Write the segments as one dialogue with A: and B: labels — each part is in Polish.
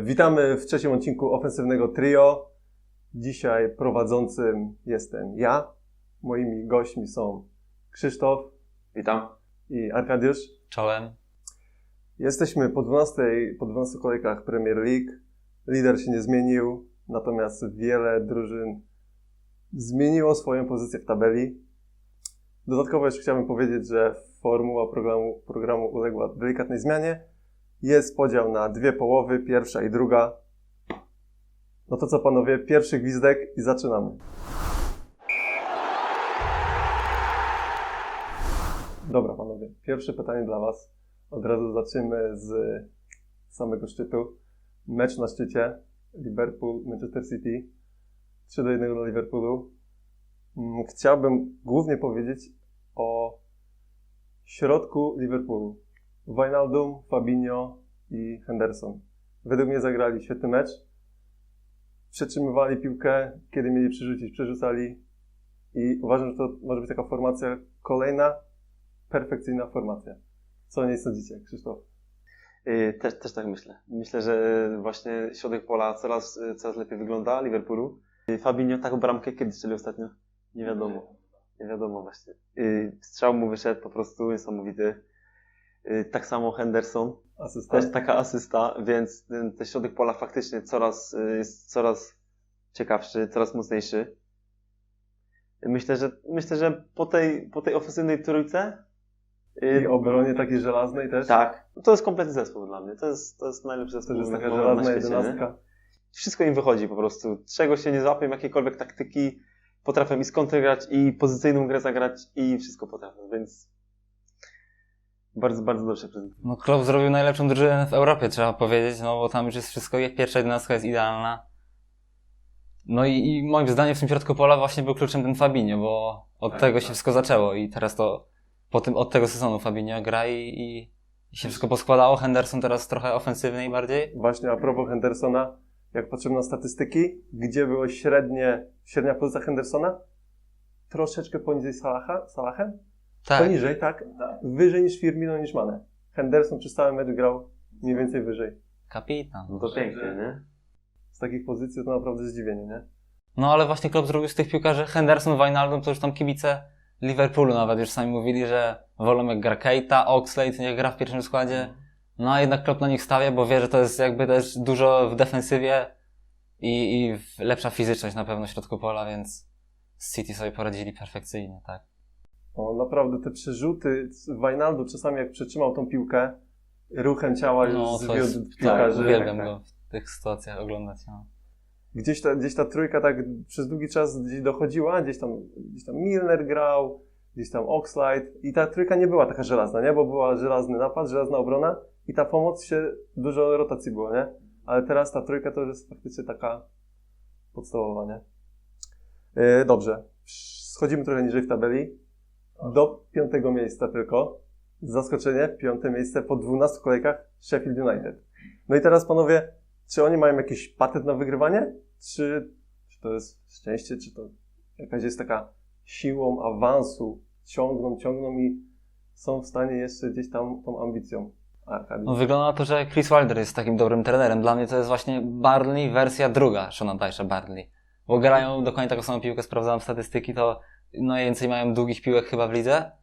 A: Witamy w trzecim odcinku ofensywnego trio. Dzisiaj prowadzącym jestem ja. Moimi gośćmi są Krzysztof.
B: Witam.
A: I Arkadiusz.
C: Czołem.
A: Jesteśmy po 12 kolejkach Premier League. Lider się nie zmienił, natomiast wiele drużyn zmieniło swoją pozycję w tabeli. Dodatkowo jeszcze chciałbym powiedzieć, że formuła programu uległa delikatnej zmianie. Jest podział na dwie połowy, pierwsza i druga. No to co panowie, pierwszy gwizdek i zaczynamy. Dobra panowie, pierwsze pytanie dla was. Od razu zaczniemy z samego szczytu. Mecz na szczycie, Liverpool, Manchester City. 3-1 dla Liverpoolu. Chciałbym głównie powiedzieć o środku Liverpoolu. Wijnaldum, Fabinho i Henderson. Według mnie zagrali świetny mecz. Przetrzymywali piłkę, kiedy mieli przerzucić, przerzucali. I uważam, że to może być taka formacja, kolejna perfekcyjna formacja. Co o niej sądzicie, Krzysztof?
B: Też tak myślę. Myślę, że właśnie środek pola coraz lepiej wygląda Liverpoolu. Fabinho taką bramkę kiedy strzelił ostatnio? Nie wiadomo właśnie. Strzał mu wyszedł po prostu niesamowity. Tak samo Henderson.
A: Asysta.
B: Też taka asysta, więc ten środek pola faktycznie jest coraz ciekawszy, coraz mocniejszy. Myślę, że po tej ofensywnej trójce
A: I obronie takiej żelaznej też?
B: tak. To jest kompletny zespół dla mnie. To jest najlepszy zespół.
A: To jest taka
B: na
A: żelazna
B: świecie,
A: jedenastka.
B: nie? Wszystko im wychodzi po prostu. Czego się nie złapią, jakiejkolwiek taktyki, potrafią i skontrgrać, i pozycyjną grę zagrać, i wszystko potrafią, więc bardzo, bardzo dobrze prezentują.
C: No Klopp zrobił najlepszą drużynę w Europie, trzeba powiedzieć, no bo tam już jest wszystko, pierwsza jedenastka jest idealna. No i moim zdaniem w tym środku pola właśnie był kluczem ten Fabinho, bo od tego się wszystko zaczęło i teraz to od tego sezonu Fabinho gra i się wszystko poskładało. Henderson teraz trochę ofensywniej bardziej.
A: Właśnie a propos Hendersona, jak patrzymy na statystyki, gdzie była średnia pozycja Hendersona? Troszeczkę poniżej Salahem?
C: Tak.
A: Poniżej, tak? Wyżej niż Firmino, niż Mane. Henderson przez cały mecz grał mniej więcej wyżej.
C: Kapitan.
B: No to pięknie, nie?
A: Z takich pozycji to naprawdę zdziwienie, nie?
C: No ale właśnie Klopp zrobił z tych piłkarzy Henderson, Wijnaldum, to już tam kibice Liverpoolu nawet już sami mówili, że wolą jak gra Keita, Oxlade, niech gra w pierwszym składzie. No a jednak Klopp na nich stawia, bo wie, że to jest jakby też dużo w defensywie i lepsza fizyczność na pewno w środku pola, więc z City sobie poradzili perfekcyjnie, tak.
A: O, naprawdę te przerzuty Wijnaldum czasami jak przetrzymał tą piłkę, ruchem ciała już
C: No to
A: zwiódł
C: jest, tak,
A: piłkarzy.
C: uwielbiam go w tych sytuacjach oglądać. No.
A: Gdzieś ta trójka tak przez długi czas gdzieś dochodziła, gdzieś tam Milner grał, gdzieś tam Oxlade i ta trójka nie była taka żelazna, nie? Bo była żelazny napad, żelazna obrona i ta pomoc dużo rotacji było, nie? Ale teraz ta trójka to już jest faktycznie taka podstawowa, nie? Dobrze, schodzimy trochę niżej w tabeli, do 5. miejsca tylko. Zaskoczenie, 5. miejsce po 12 kolejkach Sheffield United. No i teraz panowie, czy oni mają jakiś patent na wygrywanie? Czy to jest szczęście, czy to jakaś jest taka siłą awansu, ciągną i są w stanie jeszcze gdzieś tam tą ambicją?
C: No, wygląda na to, że Chris Wilder jest takim dobrym trenerem. Dla mnie to jest właśnie Burnley wersja druga Seana Dyche'a Burnley. Bo grają dokładnie taką samą piłkę, sprawdzałem statystyki, to najwięcej mają długich piłek chyba w lidze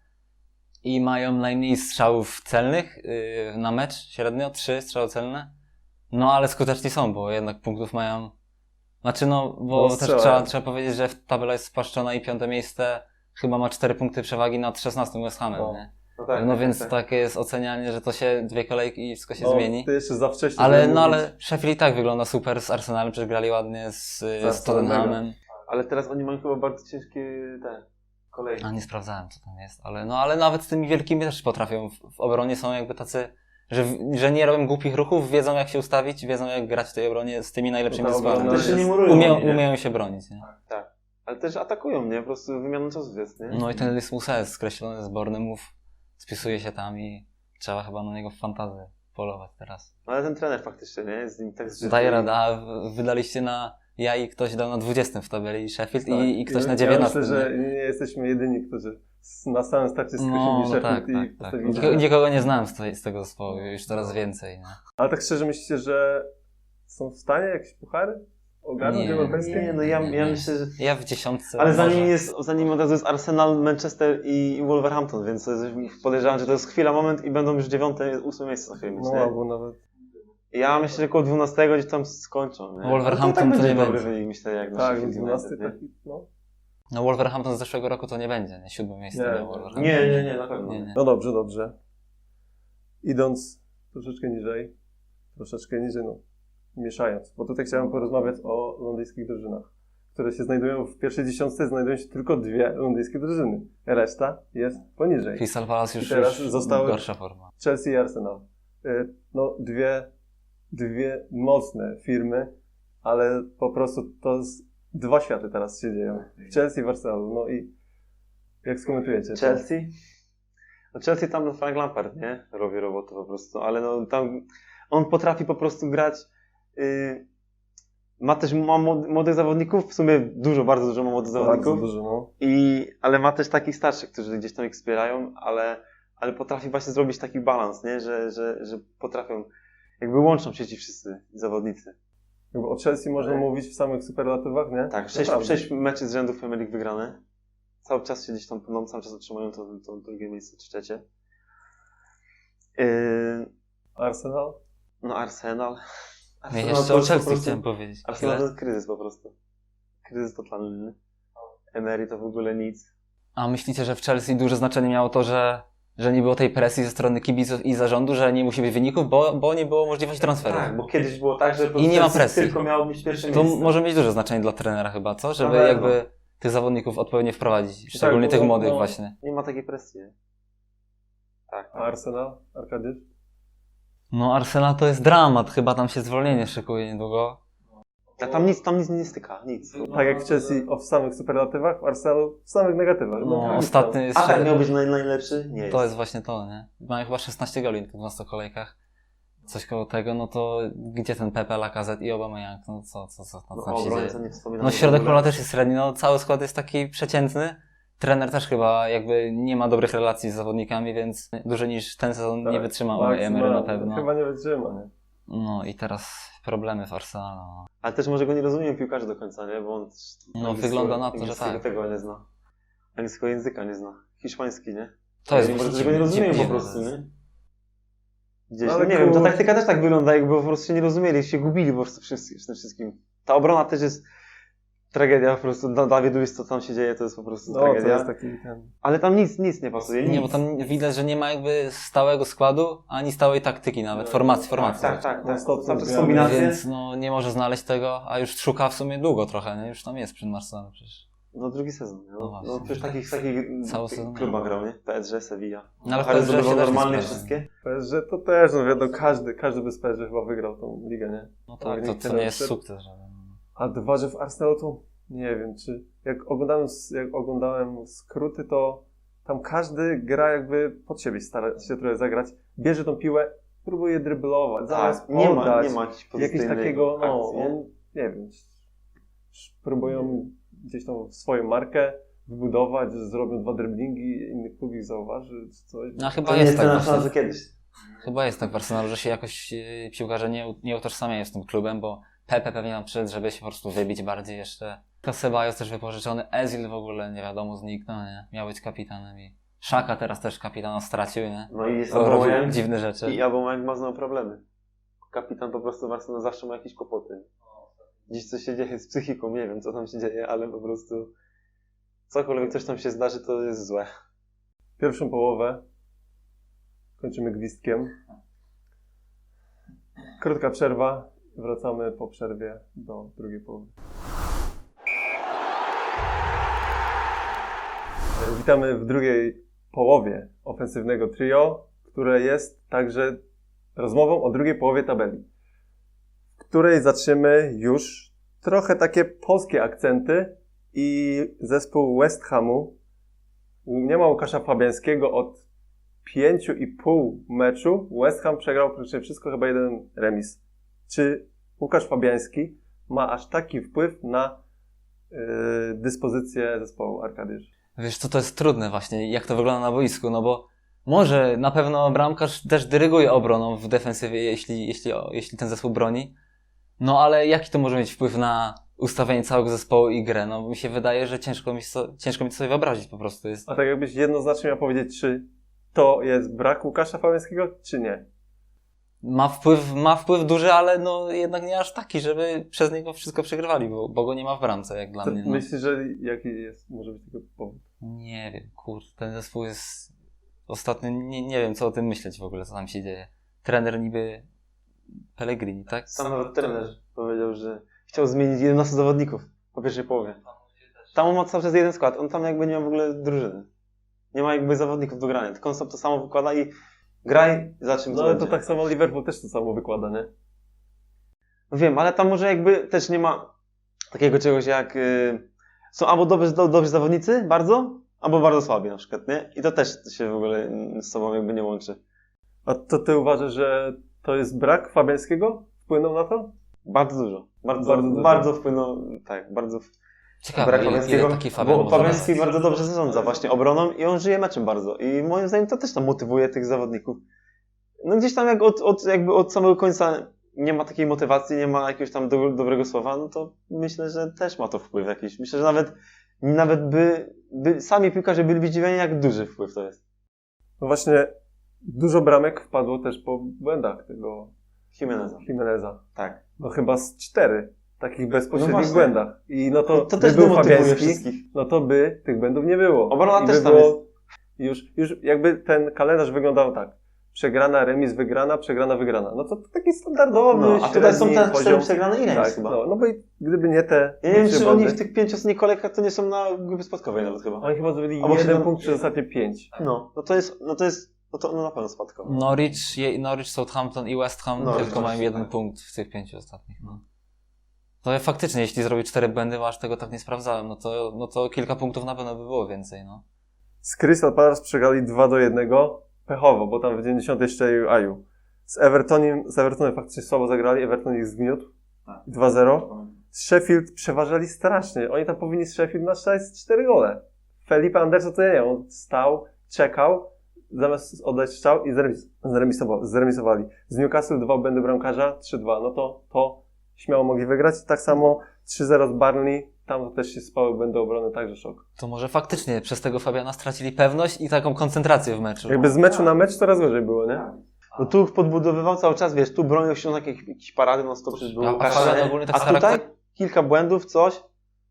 C: i mają najmniej strzałów celnych na mecz średnio, 3 strzały celne. No ale skuteczni są, bo jednak punktów mają. Znaczy bo też trzeba powiedzieć, że tabela jest spłaszczona i 5. miejsce chyba ma 4 punkty przewagi nad 16 West Hamem, nie?
B: No, tak,
C: no więc takie jest ocenianie, że to się 2 kolejki i wszystko się zmieni.
A: To jeszcze za wcześnie.
C: Ale Sheffield i tak wygląda super z Arsenalem, przecież grali ładnie z Tottenhamem.
B: Ale teraz oni mają chyba bardzo ciężkie kolejki.
C: A nie sprawdzałem co tam jest, ale nawet z tymi wielkimi też potrafią. W obronie są jakby tacy, że nie robią głupich ruchów, wiedzą jak się ustawić, wiedzą jak grać w tej obronie z tymi najlepszymi składami.
B: Też się nie murują,
C: umieją się bronić, nie?
B: Tak. Ale też atakują, nie? Po prostu wymianą czasów jest, nie?
C: No i ten Lys Musa jest skreślony z Bournemouth, spisuje się tam i trzeba chyba na niego w fantazję polować teraz.
B: No ale ten trener faktycznie, nie? Jest z nim tak zżyty.
C: Daje radę, a wydaliście ja i ktoś dał na 20 w tabeli Sheffield i ktoś na 19.
A: Ja myślę, że nie jesteśmy jedyni, którzy na samym starcie skreślili Sheffield i postawili.
C: Nikogo nie znałem z tego zespołu, już coraz więcej. Nie?
A: Ale tak szczerze myślicie, że są w stanie jakieś puchary ogarnąć
C: Nie,
A: europejskie?
B: Nie, no ja myślę, że...
C: Ja w 10.
B: Ale
C: może.
B: zanim od razu jest Arsenal, Manchester i Wolverhampton, więc podejrzewam, że to jest chwila, moment i będą już 9., 8 miejsce na chwilę,
A: No
B: nie?
A: albo nawet...
B: Ja myślę, że koło 12 gdzieś tam skończą, nie?
C: Wolverhampton
B: No
C: to
B: będzie
C: nie
B: dobry
C: będzie.
B: wynik, myślę, jak na
A: Tak,
B: Sheffield
A: 12
B: United, nie?
A: taki, no.
C: No Wolverhampton z zeszłego roku to nie będzie, nie? 7. miejsce
A: Nie.
C: miał Wolverhampton.
B: Nie, na pewno.
C: Nie.
A: No dobrze, dobrze. Idąc troszeczkę niżej, no, mieszając, bo tutaj chciałem porozmawiać o londyńskich drużynach, które się znajdują w pierwszej dziesiątce, znajdują się tylko 2 londyńskie drużyny. Reszta jest poniżej.
C: Crystal Palace
A: I
C: już,
A: teraz
C: już
A: zostały-
C: gorsza forma.
A: Chelsea i Arsenal. No, dwie mocne firmy, ale po prostu to dwa światy teraz się dzieją. W Chelsea i w Arsenalu. No i jak skomentujecie? to?
B: Chelsea? No Chelsea tam Frank Lampard, nie? Robi robotę po prostu, ale no tam on potrafi po prostu grać. Ma też młodych zawodników, w sumie bardzo dużo ma młodych
A: Bardzo
B: zawodników.
A: dużo, no.
B: Ale ma też takich starszych, którzy gdzieś tam ich wspierają, ale potrafi właśnie zrobić taki balans, nie? Że potrafią, jakby łączą się ci wszyscy zawodnicy.
A: Jakby o Chelsea można mówić w samych superlatywach, nie?
B: Tak,
A: Naprawdę.
B: 6 meczy z rzędu Premier League wygrane. Cały czas się gdzieś tam, no, cały czas otrzymują to drugie miejsce czy trzecie.
A: Arsenal?
B: No Arsenal.
C: Ja
B: to
C: jeszcze
B: jest
C: o
B: po
C: Chelsea
B: prostu-
C: chciałem powiedzieć.
B: Arsenal to
C: Chwilę.
B: jest kryzys po prostu. Kryzys totalny. nie? Emery to w ogóle nic.
C: A myślicie, że w Chelsea duże znaczenie miało to, że nie było tej presji ze strony kibiców i zarządu, że nie musi być wyników, bo nie było możliwości transferu?
B: Tak, bo kiedyś było tak, że po
C: I nie ma
B: prostu
C: presji.
B: tylko miało być pierwsze
C: To
B: miejsce.
C: może mieć duże znaczenie dla trenera chyba, co? Żeby
B: pewno.
C: jakby tych zawodników odpowiednio wprowadzić. Szczególnie
A: bo-
C: tych młodych
A: no.
C: właśnie.
B: Nie ma takiej presji. nie? Tak.
A: A Arsenal? Arkadiusz?
C: No Arsenal to jest dramat, chyba tam się zwolnienie szykuje niedługo.
B: A tam nic nie styka, nic.
A: Tak jak w Chelsea w samych superlatywach, w Arsenalu w samych negatywach.
C: No,
A: nic
C: ostatni jest...
B: A tak miał być najlepszy? Nie
C: To jest właśnie to, nie? Mają chyba 16 goli w 12 kolejkach. Coś koło tego, no to gdzie ten Pepe, Lacazette i Aubameyang? No co tam się dzieje?
B: nie wspominam.
C: No środek pola też jest średni, no cały skład jest taki przeciętny. Trener też chyba jakby nie ma dobrych relacji z zawodnikami, więc dłużej niż ten sezon nie wytrzymał Emery na pewno.
A: Chyba nie wytrzyma, nie?
C: No i teraz problemy w Arsenalu. No.
B: Ale też może go nie rozumiem piłkarze do końca, nie? Bo on
C: No, wygląda na to, że
B: angielskiego
C: tak.
B: tego nie zna. Angielskiego języka nie zna. Hiszpański, nie?
C: To jest
B: może
C: właśnie
B: że go nie rozumiem po
C: dziwne
B: prostu,
C: to jest.
B: nie? Gdzieś,
A: Ale
B: no nie wiem, ta
A: kur-
B: taktyka też tak wygląda, jakby po prostu się nie rozumieli, się gubili po prostu w tym wszystkim. Ta obrona też jest tragedia po prostu. Dawid Luiz, co tam się dzieje, to jest po prostu
A: No, to
B: tragedia.
A: jest taki ten...
B: Ale tam nic nie pasuje.
C: Nie,
B: nic.
C: bo tam widać, że nie ma jakby stałego składu, ani stałej taktyki nawet, formacji.
B: Tak.
A: No, stop,
B: Cały czas
A: zmiany.
B: kombinacje.
C: Więc no nie może znaleźć tego, a już szuka w sumie długo trochę, nie? Już tam jest przed Arsenalem przecież.
B: No drugi sezon. Nie?
C: No
B: No,
C: właśnie.
B: no przecież takich
C: Cały sezon.
B: klubach grał, nie? PSG, Sevilla.
C: No ale w
B: Ale
C: PSG się
B: zdobywał
C: też nie
B: normalnie
C: sprawdza.
B: wszystkie.
A: PSG to też, no wiadomo, każdy bez PSG chyba wygrał tą ligę, nie?
C: No tak,
A: Wynik
C: to nie jest
A: ten-
C: sukces żaden.
A: A dwa, że w Arsenalu to nie wiem, czy jak oglądałem skróty, to tam każdy gra jakby pod siebie, stara się trochę zagrać, bierze tą piłę, próbuje dryblować, zamiast
B: Tak, nie ma
A: podać,
B: jakiejś
A: jakieś
B: pozytywnej
A: takiego, no,
B: akcji, nie?
A: on, nie wiem, próbują gdzieś tam swoją markę wybudować, zrobią 2 driblingi, inny klub ich zauważy, czy coś.
C: No chyba
B: To nie
C: jest
B: jest
C: tak
B: ten
C: właśnie.
B: Arsenal, co kiedyś.
C: Chyba jest tak w Arsenalu, że się jakoś piłkarze nie utożsamiają z tym klubem, bo Pepe pewnie nam przyszedł, żeby się po prostu wybić bardziej jeszcze. Ceballos też wypożyczony, Ezil w ogóle nie wiadomo zniknął, nie? Miał być kapitanem i Szaka teraz też kapitana stracił, nie?
B: No i jest
C: Robił
B: Aubameyang
C: dziwne rzeczy.
B: i Aubameyang ma znowu problemy. Kapitan po prostu w Arsenalu zawsze ma jakieś kłopoty. Dziś coś się dzieje z psychiką, nie wiem co tam się dzieje, ale po prostu cokolwiek coś tam się zdarzy, to jest złe.
A: Pierwszą połowę kończymy gwizdkiem. Krótka przerwa. Wracamy po przerwie do drugiej połowy. Witamy w drugiej połowie ofensywnego trio, które jest także rozmową o drugiej połowie tabeli, w której zaczniemy już trochę takie polskie akcenty i zespół West Hamu nie ma Łukasza Fabiańskiego od 5,5 meczu. West Ham przegrał praktycznie wszystko, chyba jeden remis. Czy Łukasz Fabiański ma aż taki wpływ na dyspozycję zespołu, Arkadiusz?
C: Wiesz co, to jest trudne właśnie, jak to wygląda na boisku, no bo może na pewno bramkarz też dyryguje obroną w defensywie, jeśli ten zespół broni, No ale jaki to może mieć wpływ na ustawienie całego zespołu i grę? No mi się wydaje, że ciężko mi to sobie wyobrazić po prostu. Jest...
A: A tak jakbyś jednoznacznie miał powiedzieć, czy to jest brak Łukasza Fabiańskiego, czy nie?
C: Ma wpływ duży, ale no jednak nie aż taki, żeby przez niego wszystko przegrywali, bo go nie ma w bramce, jak dla
A: Co,
C: mnie. No.
A: myślisz, że jaki jest, może być tego powód?
C: Nie wiem, kurde, ten zespół jest ostatnio, nie wiem co o tym myśleć w ogóle, co tam się dzieje. Trener niby Pellegrini, tak?
B: Sam nawet trener powiedział, że chciał zmienić 11 zawodników po pierwszej połowie. Tam on ma cały czas jeden skład, on tam jakby nie ma w ogóle drużyny. Nie ma jakby zawodników do grania, tylko on sobie to samo wykłada i graj, za czym
A: No ale to tak samo Liverpool też to samo wykłada, nie?
B: No wiem, ale tam może jakby też nie ma takiego czegoś jak... są albo dobrzy zawodnicy, bardzo, albo bardzo słabi na przykład, nie? I to też się w ogóle z sobą jakby nie łączy.
A: A to ty uważasz, że to jest brak Fabiańskiego? Wpłynął na to?
B: Bardzo dużo.
A: Bardzo dużo.
B: Bardzo wpłynął, tak, bardzo
C: Ciekawe,
B: brak
C: ile
B: Fabiańskiego,
C: taki Fabian
B: bo
C: może
B: Fabiański
C: dać.
B: bardzo dobrze zarządza właśnie obroną i on żyje meczem bardzo. I moim zdaniem to też tam motywuje tych zawodników. No gdzieś tam jak jakby od samego końca nie ma takiej motywacji, nie ma jakiegoś tam dobrego słowa, no to myślę, że też ma to wpływ jakiś. Myślę, że nawet by sami piłkarze byli zdziwieni, jak duży wpływ to jest.
A: No właśnie, dużo bramek wpadło też po błędach tego
B: Jimeneza. Tak.
A: No chyba z 4 takich bezpośrednich
B: właśnie.
A: błędach. I no to
B: To też
A: był
B: demotywuje
A: Fabiański,
B: wszystkich.
A: no to by tych błędów nie było.
B: Obrona
A: I
B: też
A: by
B: tam
A: było już jakby ten kalendarz wyglądał tak. Przegrana, remis, wygrana, przegrana, wygrana. No to taki standardowy,
B: No, a tutaj są
A: średni
B: te 4
A: poziom.
B: przegrane i remis
A: Tak,
B: chyba.
A: no bo gdyby nie te...
B: Ja nie wiem,
A: trzy
B: czy oni
A: błędy,
B: w tych 5 ostatnich kolejkach to nie są na grupie spadkowej nawet chyba.
A: Oni chyba zrobili
B: Albo
A: 1
B: 7
A: punkt przez ostatnie 5.
B: No to na pewno spadkowe.
C: Norwich, Southampton i West Ham
B: Norwich,
C: tylko mają jeden
B: tak.
C: punkt w tych 5 ostatnich. No. To faktycznie, jeśli zrobił 4 błędy, bo aż tego tak nie sprawdzałem, no to kilka punktów na pewno by było więcej, no.
A: Z Crystal Palace przegrali 2-1, pechowo, bo tam w 90 strzelił Aju. Z Evertonem faktycznie słabo zagrali, Everton ich zgniótł. 2-0. Z Sheffield przeważali strasznie. Oni tam powinni z Sheffield nastrzelać 4 gole. Felipe Anderson to nie, on stał, czekał, zamiast oddać strzał i zremisowali. Z Newcastle 2 błędy bramkarza, 3-2. No to śmiało mogli wygrać. Tak samo 3-0 z Burnley, tam też się spały błędy obrony, także szok.
C: To może faktycznie przez tego Fabiana stracili pewność i taką koncentrację w meczu.
A: Jakby z meczu na mecz coraz gorzej było, nie?
B: No tu podbudowywał cały czas, wiesz, tu bronił się na jakieś parady, no stop przecież był
C: A
B: Łukasz,
C: Fabian
B: nie?
C: ogólnie tak
B: A tutaj
C: charakter...
B: kilka błędów, coś.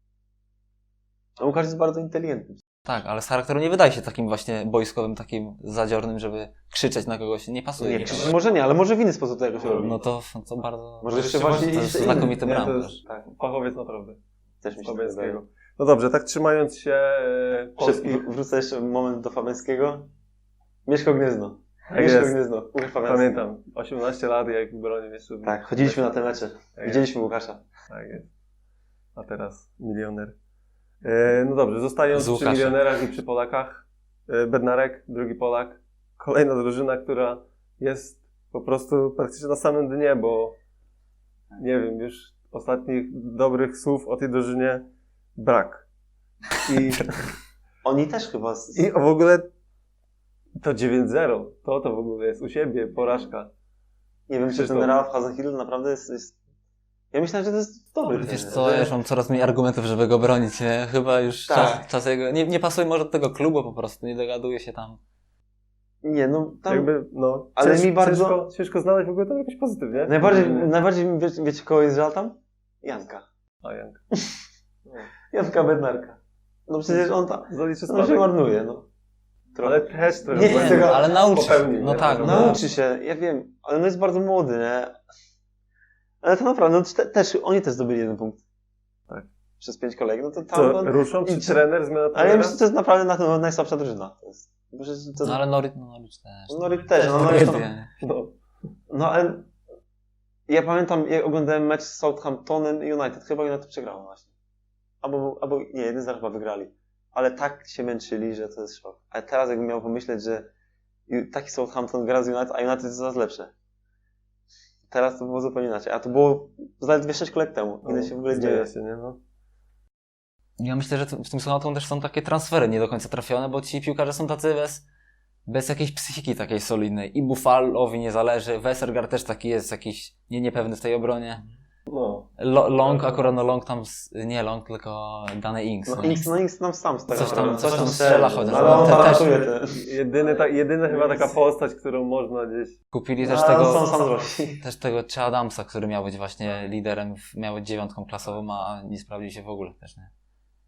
B: A Łukasz jest bardzo inteligentny.
C: Tak, ale z charakteru nie wydaje się takim właśnie boiskowym, takim zadziornym, żeby krzyczeć na kogoś. Nie pasuje.
B: Nie, może nie, ale może w inny sposób to jakoś robi.
C: No to bardzo...
B: Może jeszcze właśnie
C: to jest
B: inny.
C: znakomity
A: Nie, to
C: bramkarz.
A: jest fachowiec naprawdę.
B: Też mi się
A: Fabiańskiego.
B: wydaje.
A: No dobrze, tak trzymając się Polski.
B: Wrócę jeszcze moment do Fabiańskiego. Mieszko Gniezno.
A: Tak
B: Mieszko
A: jest.
B: Gniezno. Łukasz Fabiański.
A: Pamiętam, 18 lat, jak bronił jeszcze.
B: Tak, chodziliśmy na te mecze. Widzieliśmy Łukasza.
A: Tak jest. A teraz milioner. No dobrze, zostając
C: Z
A: przy
C: Łukaszem.
A: milionerach i przy Polakach. Bednarek, drugi Polak. Kolejna drużyna, która jest po prostu praktycznie na samym dnie, bo nie wiem, już ostatnich dobrych słów o tej drużynie brak.
B: Oni też chyba...
A: I w ogóle to 9-0, to w ogóle jest u siebie porażka.
B: Nie wiem, czy
A: Krzysztof.
B: ten Ralf Hasenhüttl naprawdę jest... Ja myślę, że to jest dobry
C: Wiesz
B: trener,
C: co,
B: że-
C: ja już mam coraz mniej argumentów, żeby go bronić, nie? Chyba już
B: Tak.
C: czas jego... Nie pasuje może do tego klubu po prostu, nie dogaduje się tam.
B: Nie, no tam...
A: Jakby, no,
B: Ale mi bardzo-
A: ciężko znaleźć w ogóle tam jakoś pozytywnie.
B: Najbardziej wiecie kogo jest żal tam? Janka.
A: A Jank.
B: Janka Bednarka. No przecież on tam...
A: Zaliczy
B: On się
A: spadek.
B: marnuje, no.
A: Ale też trochę
B: Nie,
A: błędów
B: tego-
C: ale nauczy.
A: popełnił,
C: No
A: nie?
C: tak,
A: No,
B: Nauczy się, ja wiem, ale no jest bardzo młody, nie? Ale to naprawdę, no też, oni też zdobyli 1 punkt.
A: Tak.
B: Przez 5 kolejek, no to tam...
A: Co,
B: no,
A: ruszą? Czy
B: i-
A: trener, zmiana
B: ale ja
A: trenera?
B: myślę, że to jest naprawdę najsłabsza drużyna. To jest, bo przecież to,
C: No ale Norwich też.
B: Norwich też, no Norwich to,
C: tragedia.
A: No.
B: no ale ja pamiętam, jak oglądałem mecz z Southamptonem i United, chyba United przegrało właśnie. Albo nie, 1-0 chyba wygrali. Ale tak się męczyli, że to jest szok. Ale teraz jakbym miał pomyśleć, że taki Southampton gra z United, a United jest coraz lepsze. Teraz to było zupełnie inaczej. A to było zaledwie 6 kolejek temu. Ile się w ogóle dzieje?
A: Się, nie? No.
C: Ja myślę, że w tym Southampton też są takie transfery nie do końca trafione, bo ci piłkarze są tacy bez jakiejś psychiki takiej solidnej. I Buffalowi nie zależy, Westergaard też taki jest jakiś niepewny w tej obronie.
A: No.
C: Long, akurat no Long tam, nie Long, tylko Danny Ings.
B: No Inks nam sam stara.
C: Coś tam strzela chociaż.
B: Ale on
C: Też
B: paratuje te.
A: Jedyna chyba taka postać, którą można gdzieś...
C: kupili też
B: No,
C: tego,
B: sam zrobi.
C: też tego Che Adamsa, który miał być właśnie liderem, miał być 9 klasową, a nie sprawdził się w ogóle też, nie?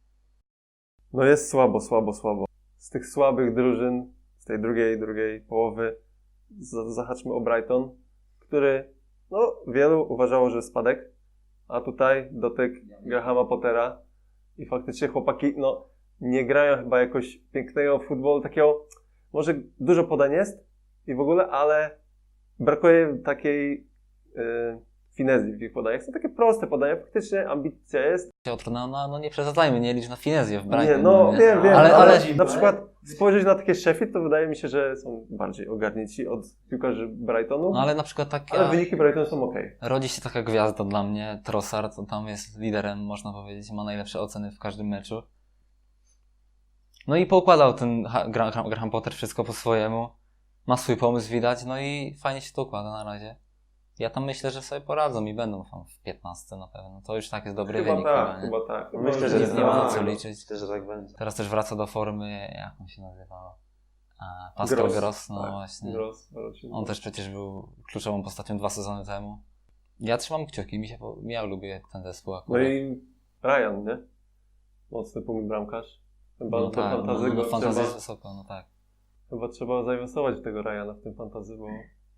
A: No jest słabo. Z tych słabych drużyn, z tej drugiej połowy, zahaczmy o Brighton, który, no, wielu uważało, że spadek, a tutaj dotyk Grahama Pottera i faktycznie chłopaki, no, nie grają chyba jakoś pięknego futbolu, takiego, może dużo podań jest i w ogóle, ale brakuje takiej finezji w ich podaniach. Są takie proste podania, faktycznie ambicja jest.
C: No nie przesadzajmy, nie licz na finezję w Brighton.
A: Nie, no wiem,
C: ale
A: na przykład spojrzeć na takie Sheffield, to wydaje mi się, że są bardziej ogarnięci od piłkarzy Brightonu,
C: no ale na przykład
A: ale wyniki Brightonu są okej.
C: rodzi się taka gwiazda dla mnie, Trossard, to tam jest liderem, można powiedzieć, ma najlepsze oceny w każdym meczu. No i poukładał ten Graham Potter wszystko po swojemu, ma swój pomysł widać, no i fajnie się to układa na razie. Ja tam myślę, że sobie poradzą i będą tam w 15 na pewno. To już tak jest dobry wynik. nie?
A: Chyba tak.
B: Myślę, że
C: nie ma na co liczyć.
B: Myślę, że tak będzie.
C: Teraz też wraca do formy, jak on się nazywał? Pascal Gross, no
A: tak.
C: właśnie.
A: Gross, wrócił.
C: On też przecież był kluczową postacią 2 sezony temu. Ja trzymam kciuki, ja lubię ten zespół
A: No
C: akurat.
A: i Ryan, nie? Mocny punkt bramkarz. Chyba
C: No
A: ten
C: tak,
A: fantazy go
C: fantazja jest wysoko, no tak.
A: chyba trzeba zainwestować w tego Ryana w tym fantazy, bo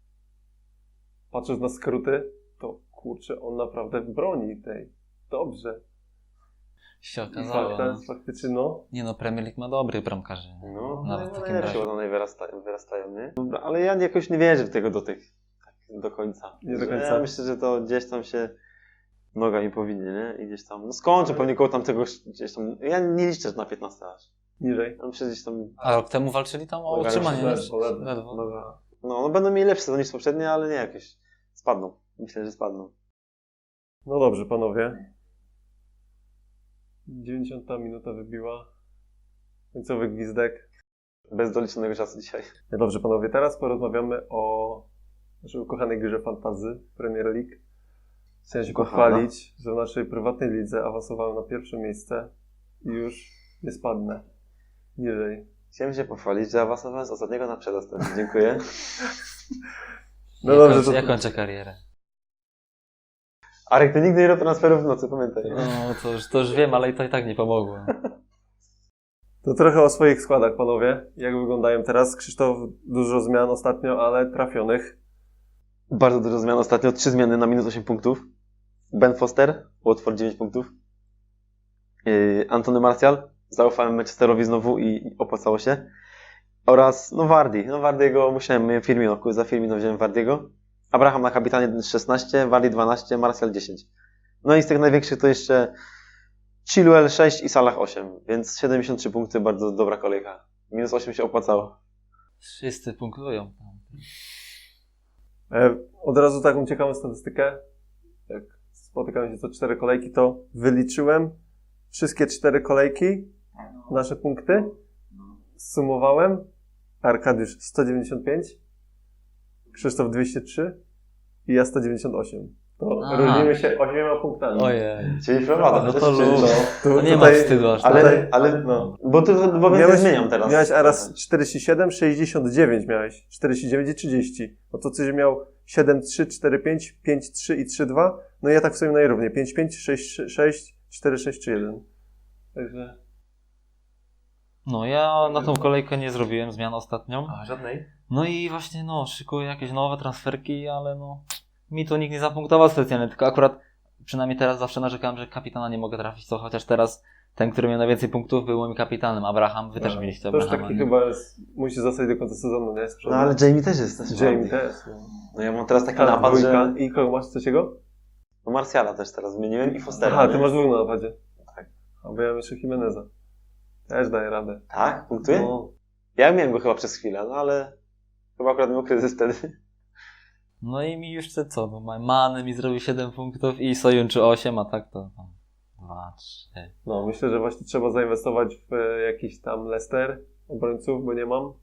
A: patrząc na skróty, to kurczę, on naprawdę broni tej. Dobrze.
C: Się
A: I
C: okazało. No.
A: faktycznie, no.
C: Nie no, Premier League ma dobrych bramkarzy.
B: No,
C: Nawet w takim
B: najlepsi
C: razie.
B: one wyrastają, nie? Dobra, ale ja jakoś nie wierzę w tego do tych tak do końca.
A: Nie do końca.
B: Ja myślę, że to gdzieś tam się noga im powinnie, nie? I gdzieś tam, no skończę pewnie koło tamtego, gdzieś tam, ja nie liczę na 15 aż.
A: Niżej.
B: Ja myślę, że gdzieś tam,
C: A rok temu walczyli tam o
B: Ledwo,
C: utrzymanie.
A: ledwo.
B: no będą mieli lepsze niż poprzednie, ale nie jakieś, spadną. Myślę, że spadną.
A: No dobrze, panowie. 90 minuta wybiła. Końcowy gwizdek.
B: Bez doliczonego czasu dzisiaj.
A: No dobrze, panowie, teraz porozmawiamy o naszej ukochanej grze fantasy Premier League. Chciałem się
B: Ukochana.
A: pochwalić, że w naszej prywatnej lidze awansowałem na pierwsze miejsce i już nie spadnę niżej.
B: Chciałem się pochwalić, że awansowałem z ostatniego na przedostatni. Dziękuję.
A: No dobrze, to...
C: Ja kończę karierę.
B: Arek, ty nigdy nie robisz transferów w nocy, pamiętaj.
C: No to już wiem, ale to i tak nie pomogło.
A: To trochę o swoich składach, panowie. Jak wyglądają teraz? Krzysztof, dużo zmian ostatnio, ale trafionych.
B: Bardzo dużo zmian ostatnio. 3 zmiany na minus 8 punktów. Ben Foster, Watford 9 punktów. Antony Martial, zaufałem Manchesterowi znowu i opłacało się. Oraz, no Vardy. No Vardy'ego musiałem, Firmino, za Firmino wziąłem Vardy'ego. Abraham na kapitanie 16, Vardy 12, Martial 10. No i z tych największych to jeszcze Chilwell 6 i Salah 8, więc 73 punkty, bardzo dobra kolejka. Minus 8 się opłacało.
C: Wszyscy punktują.
A: Od razu taką ciekawą statystykę. Jak spotykamy się co 4 kolejki, to wyliczyłem wszystkie 4 kolejki, nasze punkty. Zsumowałem. Arkadiusz 195, Krzysztof 203 i ja 198. To
C: Aha.
A: różnimy się 8 punktami.
C: Ojej.
B: Czyli prowadzę.
C: No to luz.
A: Tu-
C: To nie ma
A: tutaj-
C: wstydu aż tak.
B: Ale
A: No.
B: bo więcej zmieniam teraz.
A: Miałeś raz 47, 69 miałeś. 49 i 30. No to coś miał 7, 3, 4, 5, 5, 3 i 3, 2. No i ja tak w sumie najrówniej. 5, 5, 6, 6, 4, 6, 3, 1. Także...
C: No ja na tą kolejkę nie zrobiłem zmian ostatnią.
B: Żadnej?
C: No i właśnie szykuję jakieś nowe transferki, ale mi tu nikt nie zapunktował specjalnie, tylko akurat przynajmniej teraz zawsze narzekałem, że kapitana nie mogę trafić, to chociaż teraz ten, który miał najwięcej punktów, był moim kapitanem, Abraham. Wy też mieliście
A: To już
C: Abrahama.
A: taki
C: nie?
A: chyba musi zostać do końca sezonu, nie?
B: No ale Jamie też jest.
A: Jamie też. No.
B: No ja mam teraz taki
A: Tak,
B: napad,
A: dwójka.
B: że...
A: I kogo masz trzeciego?
B: No Martiala też teraz wymieniłem i Fostera.
A: Aha,
B: nie?
A: ty masz dwóch na napadzie.
B: Tak.
A: A bo ja mam jeszcze Jimeneza. Też daję radę.
B: Tak? Punktuje?
A: No.
B: Ja miałem go chyba przez chwilę, no ale... Chyba akurat miał kryzys wtedy.
C: No i mi już Mane mi zrobił 7 punktów i Sojunczu 8, a tak to 2, 3.
A: No, myślę, że właśnie trzeba zainwestować w jakiś tam Leicester obrońców, bo nie mam.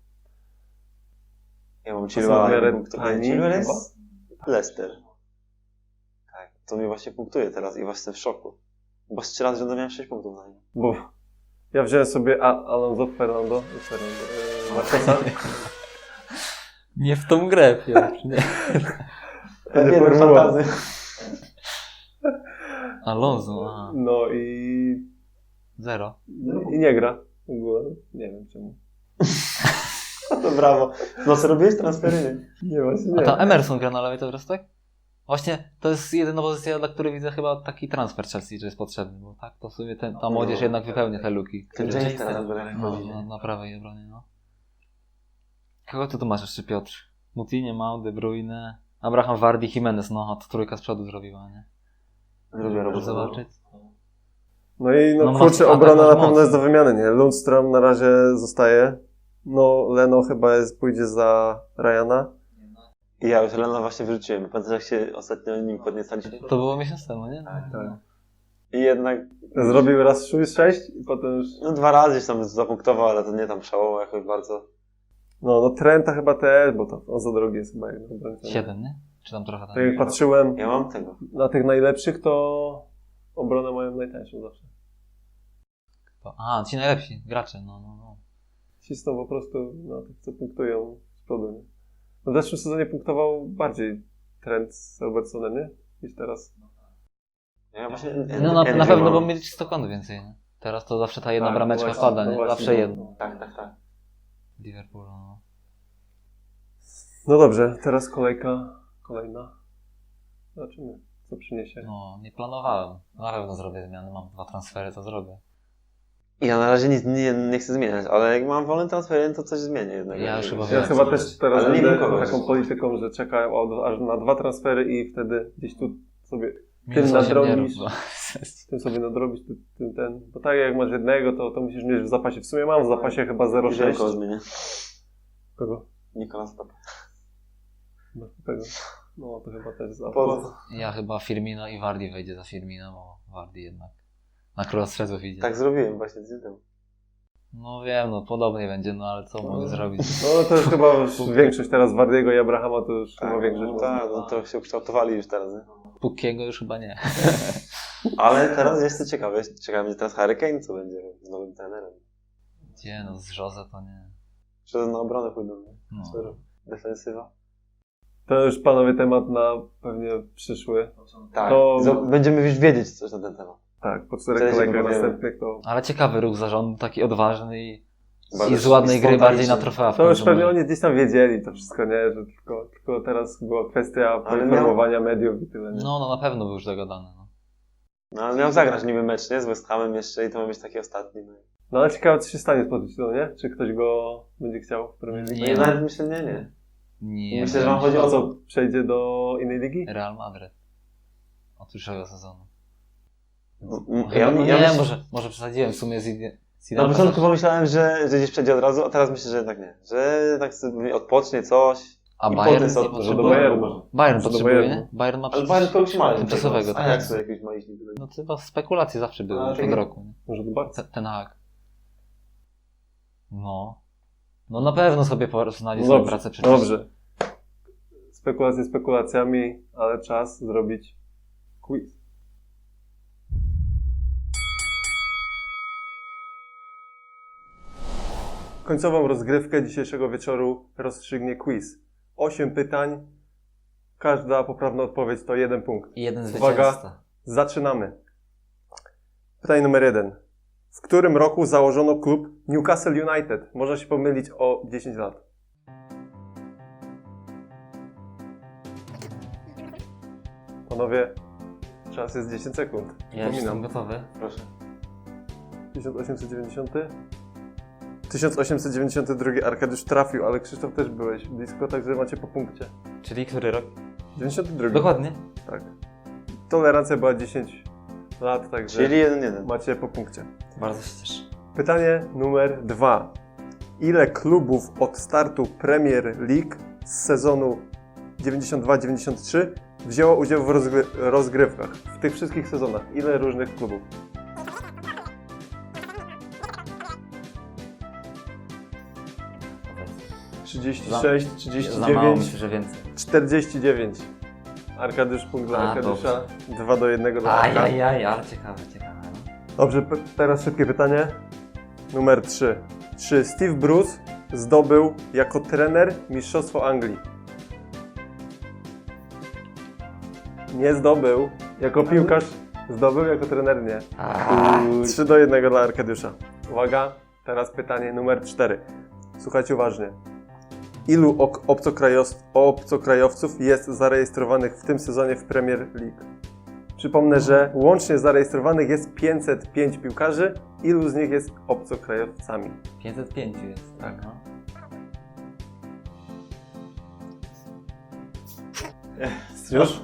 B: Ja mam
A: są w
B: Chilwella,
A: miarę
B: punktów.
A: tani
B: Chilwell
A: chyba?
B: jest Leicester. Tak. to mnie właśnie punktuje teraz i właśnie jestem w szoku. Bo z 3 razy rzędu miałem 6 punktów na nim.
A: Bo ja wziąłem sobie Alonso Marqueza.
C: Nie w tą grę, Piotr, nie.
A: Będzie formuła.
C: Alonso, aha.
A: No i
C: 0.
A: nie gra. W ogóle. Nie wiem czemu.
B: To brawo. No co robiłeś transfery?
A: Nie, właśnie
C: A
A: nie.
C: tam Emerson gra na lewej teraz, tak? Właśnie to jest jedyna pozycja, dla której widzę chyba taki transfer Chelsea, że jest potrzebny, bo tak to w sumie ta młodzież jednak wypełnia te luki.
B: Ten James teraz będzie
C: No,
B: chodzi.
C: na prawej obronie, no. Kogo ty tu masz jeszcze, Piotr? Mutinie, Mount, De Bruyne, Abraham, Vardy, Jimenez, no to trójka z przodu zrobiła, nie?
B: Zrobię robotę.
C: Zobaczyć.
A: No i
C: No,
A: kurczę,
C: atak
A: obrona
C: masz
A: na pewno
C: mocny.
A: jest do wymiany, nie? Lundstrom na razie zostaje. No, Leno chyba pójdzie za Ryana.
B: I ja już Lena właśnie wyrzuciłem. Pamiętasz jak się ostatnio nim podniecaliśmy?
C: To było miesiąc temu, nie?
A: Tak.
B: I jednak,
A: Zrobił raz 6 i potem już...
B: no 2 razy się tam zapunktował, ale to nie tam szałowo jakoś bardzo.
A: No Trenta chyba też, bo to on za drogi jest chyba.
C: 7, nie? Czy tam trochę
A: Tak
C: tam?
A: jak patrzyłem
B: Ja mam tego.
A: na tych najlepszych, to obronę mają najtańszą zawsze.
C: Aha, ci najlepsi gracze, no.
A: Cisną po prostu na tych, co punktują z przodu, nie? No w zeszłym sezonie punktował bardziej Trent z Robertsonem, nie? Niż teraz.
B: Ja właśnie,
C: No na pewno, bo mieli 100 kąt więcej, nie? Teraz to zawsze ta jedna
A: Tak,
C: brameczka
A: no właśnie,
C: wpada,
A: no
C: nie?
A: właśnie,
C: Zawsze
A: no.
C: jedna.
B: Tak.
C: Liverpool, no.
A: No dobrze, teraz kolejna. Zobaczymy, co przyniesie.
C: No, nie planowałem. Na pewno zrobię zmiany, mam 2 transfery, to zrobię.
B: Ja na razie nic nie chcę zmieniać, ale jak mam wolny transfer, to coś zmienię jednak.
C: Ja już chyba
A: Ja
C: wiem,
A: chyba
C: co
A: też teraz
B: Ale nie
A: będę
B: wiem kogo.
A: taką polityką, że czekam aż na 2 transfery i wtedy gdzieś tu sobie
C: Minus
A: tym
C: 8 nie
A: nadrobisz.
C: rób, bo-
A: tym sobie nadrobić ten. Bo tak jak masz jednego, to musisz mieć w zapasie. W sumie mam w zapasie chyba
B: Wiem, kogo
A: 0,6.
B: zmienię.
A: Kogo?
B: Nicolas Pepe.
A: Masz tego. No to chyba też za.
B: Po co?
C: Ja chyba Firmino i Vardy wejdzie za Firmino, bo Vardy jednak na cross-strzelców idzie.
B: Tak zrobiłem właśnie z tym.
C: No wiem, no podobnie będzie, no ale co mogę zrobić?
A: No to już chyba już większość teraz Wardiego i Abrahama to już chyba większość.
B: No tak, no to się ukształtowali już teraz, nie?
C: Pukiego już chyba nie.
B: Ale teraz jest to ciekawe. Ciekawe mnie teraz Harry Kane, co będzie z nowym trenerem.
C: Gdzie, no z Jose to nie.
B: Czy na obronę pójdą, nie?
C: No.
B: Defensywa.
A: To już panowie temat na pewnie przyszły.
B: Tak.
A: To-
B: Będziemy już wiedzieć coś na ten temat.
A: Tak, po 4
B: Wtedy się
A: kolejkach
B: dowiemy.
A: następnych to...
C: Ale ciekawy ruch zarządu, taki odważny i
B: Bardzo
C: z ładnej gry bardziej na
B: spontaniczny.
C: trofea. w
A: To już
C: końcu
A: pewnie
C: może.
A: oni gdzieś tam wiedzieli to wszystko, nie? Że tylko teraz była kwestia
B: Ale
A: poinformowania mediów i tyle, nie?
C: No na pewno był już dogadany. No.
B: No ale miał zagrać niby mecz, nie? Z West Hamem jeszcze i to ma być taki ostatni. No.
A: No ale ciekawe, co się stanie z pozycją, nie? Czy ktoś go będzie chciał w Premier League?
C: Nie,
B: Nie,
C: no.
B: nawet myślę, nie.
C: Nie,
B: Myślę, że wam chodzi
A: A
B: o
A: co, przejdzie do innej ligi?
C: Real Madryt. Od przyszłego sezonu.
B: Ja
C: nie,
B: myślę,
C: może przesadziłem w sumie z
B: na
C: Zidane.
B: początku pomyślałem, że gdzieś przejdzie od razu, a teraz myślę, że jednak nie. Że tak sobie odpocznie coś.
C: A
B: i
C: Bayern
B: potem
C: nie
B: sobie-
A: Może do
C: potrzebuje?
A: Bayernu.
C: Bayern
A: Może do
C: potrzebuje,
A: Bayernu.
C: nie? Bayern ma
B: Ale Bayern kogoś ma.
C: tymczasowego,
B: A
C: tak?
B: jak sobie jakiś ma iść?
C: No to chyba spekulacje zawsze były
B: A,
C: już
B: tak.
C: od roku. Nie?
A: Może do Barca?
C: Ten Hag. No. No na pewno sobie znajdzie
A: No
C: swoją
A: dobrze,
C: pracę przecież.
A: dobrze. Spekulacje spekulacjami, ale czas zrobić quiz. Końcową rozgrywkę dzisiejszego wieczoru rozstrzygnie quiz. 8 pytań, każda poprawna odpowiedź to 1 punkt.
C: I jeden
A: Uwaga.
C: zwycięzca.
A: Zaczynamy. Pytanie numer 1. W którym roku założono klub Newcastle United? Można się pomylić o 10 lat. Panowie, czas jest 10 sekund.
C: Ja już jestem
A: Przypominam.
C: gotowy.
B: Proszę.
A: 1890? 1892 Arkadiusz trafił, ale Krzysztof też byłeś blisko, także macie po punkcie.
C: Czyli który rok?
A: 92.
C: Dokładnie.
A: Tak. Tolerancja była 10 lat, także
B: Czyli 1-1.
A: macie po punkcie.
C: Bardzo się cieszę.
A: Pytanie numer 2. Ile klubów od startu Premier League z sezonu 92-93 wzięło udział w rozgrywkach? W tych wszystkich sezonach. Ile różnych klubów?
C: Powiedz.
A: 36,
C: Za mało,
A: 39,
C: myślę, że więcej.
A: 49. Arkadiusz punkt dla
C: A,
A: Arkadiusza. 2-1 dla Arka.
C: Ajajaj, ale ciekawe. No.
A: Dobrze, teraz szybkie pytanie. Numer 3. Czy Steve Bruce zdobył jako trener Mistrzostwo Anglii? Nie zdobył. Jako piłkarz zdobył, jako trener nie. 3-1 dla Arkadiusza. Uwaga, teraz pytanie numer 4. Słuchajcie uważnie. Ilu obcokrajowców jest zarejestrowanych w tym sezonie w Premier League? Przypomnę, że łącznie zarejestrowanych jest 505 piłkarzy. Ilu z nich jest obcokrajowcami?
C: 505 jest.
A: Tak.
C: No.
A: Już?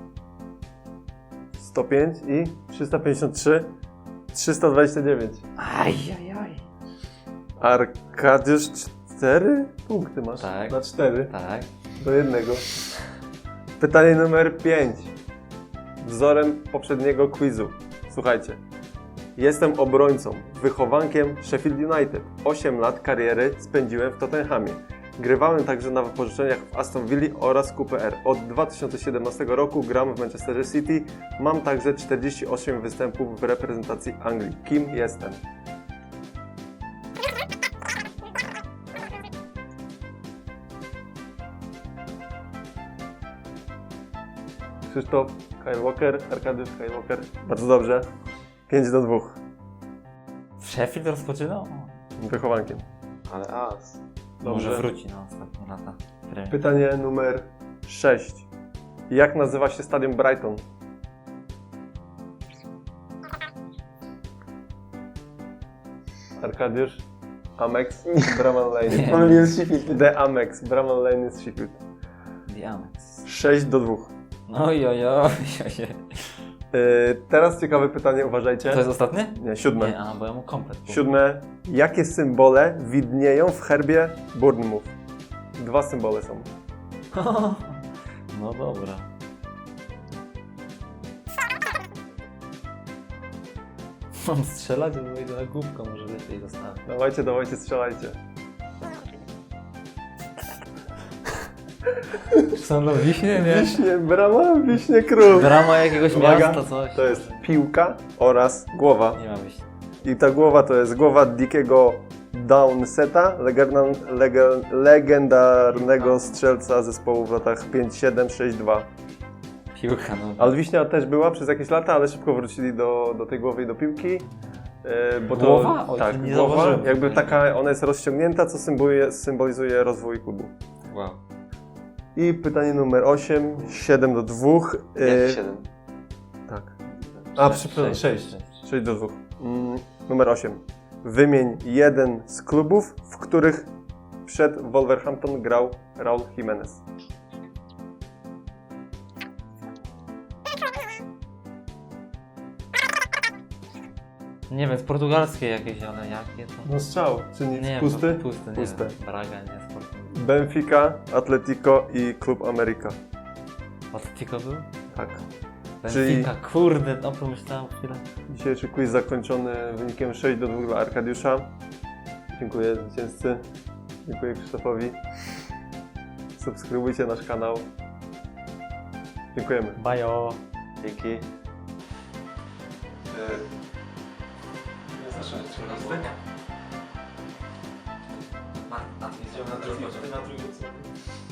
A: 105 i 353, 329.
C: Ajajaj.
A: Arkadiusz 4 punkty masz.
C: Tak.
A: Na 4
C: Tak.
A: do 1. Pytanie numer 5. Wzorem poprzedniego quizu. Słuchajcie. Jestem obrońcą, wychowankiem Sheffield United. 8 lat kariery spędziłem w Tottenhamie. Grywałem także na wypożyczeniach w Aston Villa oraz QPR. Od 2017 roku gram w Manchester City. Mam także 48 występów w reprezentacji Anglii. Kim jestem? Krzysztof, Kyle Walker, Arkadiusz, Kyle Walker. Bardzo dobrze. 5-2.
C: W Sheffield rozpoczynał?
A: Wychowankiem.
B: Ale as.
C: Może
A: Dobrze.
C: wróci na ostatnie lata. Premier.
A: Pytanie numer 6. Jak nazywa się stadion Brighton? Arkadiusz, Amex, Bramall Lane.
B: Pomyliłem z Sheffield.
A: The Amex, Bramall Lane jest Sheffield.
C: Diamex.
A: 6-2.
C: Ojojoj.
A: Teraz ciekawe pytanie, uważajcie.
C: To jest ostatnie?
A: Nie, 7.
C: Nie, bo ja mu komplet.
A: 7. Jakie symbole widnieją w herbie Bournemouth? 2 symbole są.
C: No dobra. Mam strzelać, bo idę na głupkę, może lepiej zostawię.
A: Dawajcie, strzelajcie.
C: Są na Wiśnie, nie?
A: Wiśnie, brama, wiśnie, król.
C: Drama jakiegoś
A: Uwaga,
C: miasta, coś.
A: To jest piłka oraz głowa.
C: Nie ma Wiśni.
A: I ta głowa to jest głowa Dickiego Downseta, legendarnego strzelca zespołu w latach 5-7, 6-2.
C: Piłka, no.
A: Ale Wiśnia też była przez jakieś lata, ale szybko wrócili do tej głowy i do piłki. Bo to,
C: Głowa? Oj,
A: tak,
C: nie
A: głowa,
C: zauważyłem.
A: jakby taka, ona jest rozciągnięta, co symbolizuje rozwój klubu.
C: Wow.
A: I pytanie numer 8, 7-2.
B: Jak 7?
A: Tak. A, przepraszam, 6. 6-2. Numer 8. Wymień jeden z klubów, w których przed Wolverhampton grał Raul Jimenez.
C: Nie wiem, z portugalskiej jakieś, ale jakie to?
A: No strzał, czy nic?
C: Nie,
A: Pusty?
C: Pusty, nie
A: Puste.
C: wiem. Braga, nie, sport.
A: Benfica, Atletico i Klub America.
C: Atletico był?
A: Tak.
C: Benfica, kurde, no pomyślałem chwilę.
A: Dzisiejszy quiz zakończony wynikiem 6-2 dla Arkadiusza. Dziękuję zwycięzcy. Dziękuję Krzysztofowi. Subskrybujcie nasz kanał. Dziękujemy.
C: Bajo.
B: Dzięki.
C: Na drugą.